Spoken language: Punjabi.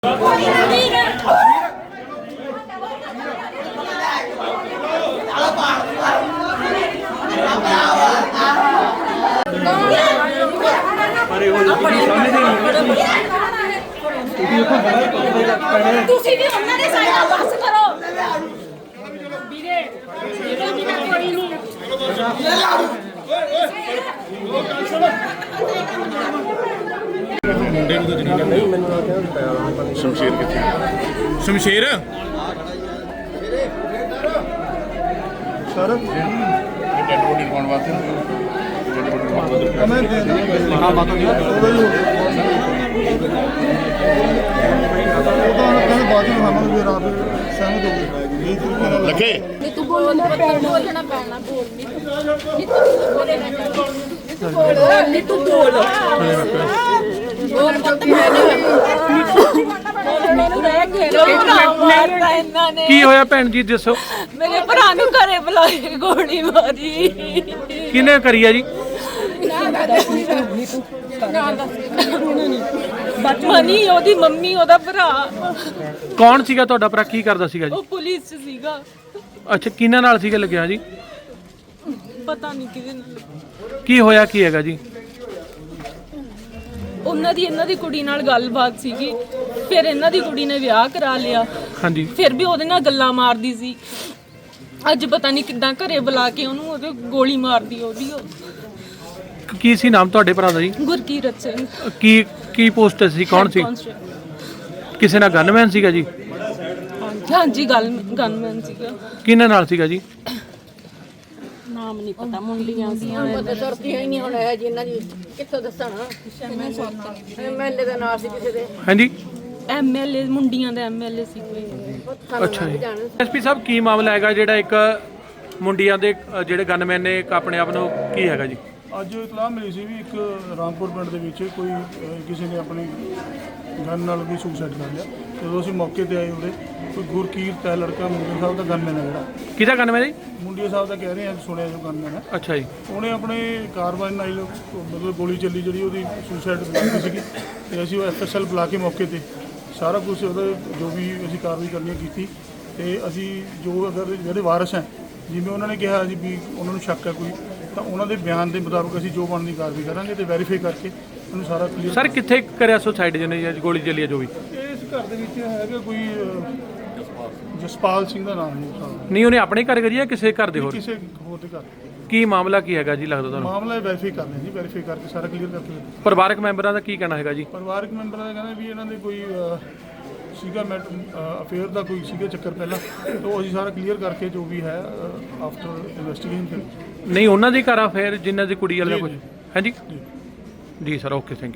ਤੁਸੀਂ ਵੀ ਉਹਨਾਂ ਦੇ ਸਾਈਡ ਬਸ ਕਰੋ ਵੀਰੇ ਜਿਹੜਾ ਵੀ ਕੋਈ ਨਹੀਂ ਮੁੰਡੇ ਨੂੰ ਤਾਂ ਜਨਾਬ ਨਹੀਂ ਮੈਨੂੰ ਸ਼ਮਸ਼ੀਰ ਕਿੱਥੇ ਸ਼ਮਸ਼ੀਰ ਸਰ ਡੈਡ ਬੋਡੀ ਪਾਉਣ ਵਾਸਤੇ ਮੈਂ ਹਾਂ ਬਾਤ ਨਹੀਂ ਲੱਗੇ ਤੂੰ ਬੋਲਣਾ ਪੈਣਾ ਬੋਲ ਨਹੀਂ ਤੂੰ ਬੋਲਣਾ ਨਹੀਂ ਤੂੰ ਬੋਲ ਕੀ ਹੋਇਆ ਭੈਣ ਜੀ ਦੱਸੋ? ਮੇਰੇ ਭਰਾ ਨੂੰ ਘਰੇ ਬੁਲਾ ਕੇ ਗੋਲੀ ਮਾਰੀ। ਕਿਹਨੇ ਕਰੀ ਆ ਜੀ? ਮਨੀ ਉਹਦੀ ਮੰਮੀ ਉਹਦਾ ਭਰਾ। ਕੌਣ ਸੀਗਾ ਤੁਹਾਡਾ ਭਰਾ? ਕੀ ਕਰਦਾ ਸੀਗਾ ਜੀ? ਉਹ ਪੁਲਿਸ 'ਚ ਸੀਗਾ। ਅੱਛਾ, ਕਿਹਨਾਂ ਨਾਲ ਸੀਗਾ ਲੱਗਿਆ ਜੀ? ਪਤਾ ਨਹੀਂ ਕਿਹਦੇ ਨਾਲ। ਕੀ ਹੋਇਆ ਕੀ ਹੈਗਾ ਜੀ? ਉਹਨਾਂ ਦੀ ਇਹਨਾਂ ਦੀ ਕੁੜੀ ਨਾਲ ਗੱਲਬਾਤ ਸੀਗੀ, ਫਿਰ ਇਹਨਾਂ ਦੀ ਕੁੜੀ ਨੇ ਵਿਆਹ ਕਰਾ ਲਿਆ। ਹਾਂਜੀ, ਫਿਰ ਵੀ ਉਹਦੇ ਨਾਲ ਗੱਲਾਂ ਮਾਰਦੀ ਸੀ। ਅੱਜ ਪਤਾ ਨਹੀਂ ਕਿੱਦਾਂ ਘਰੇ ਬੁਲਾ ਕੇ ਉਹਨੂੰ ਉਹਦੇ ਗੋਲੀ ਮਾਰਦੀ ਉਹਦੀ। ਕੀ ਸੀ ਨਾਮ ਤੁਹਾਡੇ ਭਰਾ ਦਾ ਜੀ? ਗੁਰਕੀਰਤ ਸਿੰਘ। ਕੀ ਪੋਸਟ ਸੀ? ਕੌਣ ਸੀ? ਕਿਸੇ ਨਾਲ ਗਨਮੈਨ ਸੀਗਾ ਜੀ? ਹਾਂਜੀ ਗਨਮੈਨ ਸੀਗਾ। ਕਿਹਨਾਂ ਨਾਲ ਸੀਗਾ ਜੀ? ਨਾਮ ਨਹੀਂ ਪਤਾ, ਮੁੰਡੀਆਂ ਸੀਆਂ। ਪਤਾ ਸਰਦੀਆਂ ਹੀ ਨਹੀਂ ਹੁਣ ਇਹ ਜੀ ਇਹਨਾਂ ਦੀ ਕਿੱਥੋਂ ਦੱਸਣਾ। ਐਮਐਲਏ ਦਾ ਨਾਮ ਸੀ ਕਿਸੇ ਦੇ। ਹਾਂਜੀ, ਐਮਐਲਏ ਮੁੰਡੀਆਂ ਦਾ ਐਮਐਲਏ ਸੀ ਕੋਈ। ਅੱਛਾ ਜੀ। ਐਸਪੀ ਸਾਹਿਬ, ਕੀ ਮਾਮਲਾ ਹੈਗਾ ਜਿਹੜਾ ਇੱਕ ਮੁੰਡਿਆਂ ਦੇ ਜਿਹੜੇ ਗਨਮੈਨ ਨੇ ਆਪਣੇ ਆਪ ਨੂੰ, ਕੀ ਹੈਗਾ ਜੀ? ਅੱਜ ਇਤਲਾਹ ਮਿਲੀ ਸੀ ਵੀ ਇੱਕ ਰਾਮਪੁਰ ਪਿੰਡ ਦੇ ਵਿੱਚ ਕੋਈ ਕਿਸੇ ਨੇ ਆਪਣੀ ਗਨ ਨਾਲ ਵੀ ਸੁਸਾਈਡ ਕਰ ਲਿਆ। ਜਦੋਂ ਅਸੀਂ ਮੌਕੇ ਤੇ ਆਏ ਉਰੇ ਕੋਈ ਗੁਰਕੀਰਤ ਹੈ ਲੜਕਾ, ਮੁੰਡੇ ਸਾਹਿਬ ਦਾ ਗਨਮੈਨ ਹੈ ਜਿਹੜਾ। ਕਿਹਦਾ ਗਨਮੈਨ ਜੀ? ਮੁੰਡੇ ਸਾਹਿਬ ਦਾ ਕਹਿ ਰਹੇ ਆ, ਸੁਣਿਆ ਜੋ ਗਨਮੈਨ ਹੈ। ਅੱਛਾ ਜੀ। ਉਹਨੇ ਆਪਣੇ ਕਾਰਵਾਈ ਨਾਲ ਮਤਲਬ ਗੋਲੀ ਚੱਲੀ ਜਿਹੜੀ ਉਹਦੀ ਸੁਸਾਈਡ ਕੀਤੀ ਸੀਗੀ, ਤੇ ਅਸੀਂ ਉਹ ਐਫਐਸਐਲ ਬੁਲਾ ਕੇ ਮੌਕੇ ਤੇ ਸਾਰਾ ਕੁਝ ਉਹਦਾ ਜੋ ਵੀ ਅਸੀਂ ਕਾਰਵਾਈ ਕਰਨੀ ਕੀਤੀ। ਤੇ ਅਸੀਂ ਜੋ ਅਗਰ ਜਿਹੜੇ ਵਾਰਸ ਹੈ, ਜਿਵੇਂ ਉਹਨਾਂ ਨੇ ਕਿਹਾ ਜੀ ਵੀ ਉਹਨਾਂ ਨੂੰ ਸ਼ੱਕ ਹੈ ਕੋਈ, ਤਾਂ ਉਹਨਾਂ ਦੇ ਬਿਆਨ ਦੇ ਮੁਤਾਬਕ ਅਸੀਂ ਜੋ ਬਣਦੀ ਕਾਰਵਾਈ ਕਰਾਂਗੇ ਤੇ ਵੈਰੀਫਾਈ ਕਰਕੇ ਉਹਨੂੰ ਸਾਰਾ ਕਲੀਅਰ। ਸਰ, ਕਿੱਥੇ ਕਰਿਆ ਸੁਸਾਈਡ ਜਿਹਨੇ ਜਾਂ ਗੋਲੀ ਚੱਲੀ ਹੈ ਜੋ ਵੀ? ਇਸ ਘਰ ਦੇ ਵਿੱਚ ਹੈਗਾ ਕੋਈ ਜਸਪਾਲ ਸਿੰਘ ਦਾ ਨਾਮ ਹੈ। ਨਹੀਂ, ਉਹਨੇ ਆਪਣੇ ਘਰ ਕਰੀ ਜਾਂ ਕਿਸੇ ਘਰ ਦੇ ਹੋਰ? ਕਿਸੇ ਹੋਰ ਦੇ ਘਰ। ਕੀ ਮਾਮਲਾ ਕੀ ਹੈਗਾ ਜੀ ਲੱਗਦਾ ਤੁਹਾਨੂੰ? ਮਾਮਲਾ ਵੈਰੀਫਾਈ ਕਰਨਾ ਜੀ, ਵੈਰੀਫਾਈ ਕਰਕੇ ਸਾਰਾ ਕਲੀਅਰ ਕਰਕੇ। ਪਰਿਵਾਰਕ ਮੈਂਬਰਾਂ ਦਾ ਕੀ ਕਹਿਣਾ ਹੈਗਾ ਜੀ? ਪਰਿਵਾਰਕ ਮੈਂਬਰਾਂ ਦਾ ਕਹਿੰਦਾ ਵੀ ਇਹਨਾਂ ਦੇ ਕੋਈ ਸੀਗਾ ਅਫੇਅਰ ਦਾ ਕੋਈ ਸੀਗਾ ਚੱਕਰ ਪਹਿਲਾਂ, ਤਾਂ ਅਸੀਂ ਸਾਰਾ ਕਲੀਅਰ ਕਰਕੇ ਜੋ ਵੀ ਹੈ ਆਫਟਰ ਇਨਵੈਸਟੀਗੇਸ਼ਨ। ਨਹੀਂ, ਉਹਨਾਂ ਦੇ ਘਰ ਆ ਫਿਰ ਜਿਨ੍ਹਾਂ ਦੀ ਕੁੜੀ ਵਾਲਾ ਕੁਝ? ਹਾਂਜੀ ਜੀ ਸਰ, ਓਕੇ, ਥੈਂਕ ਯੂ।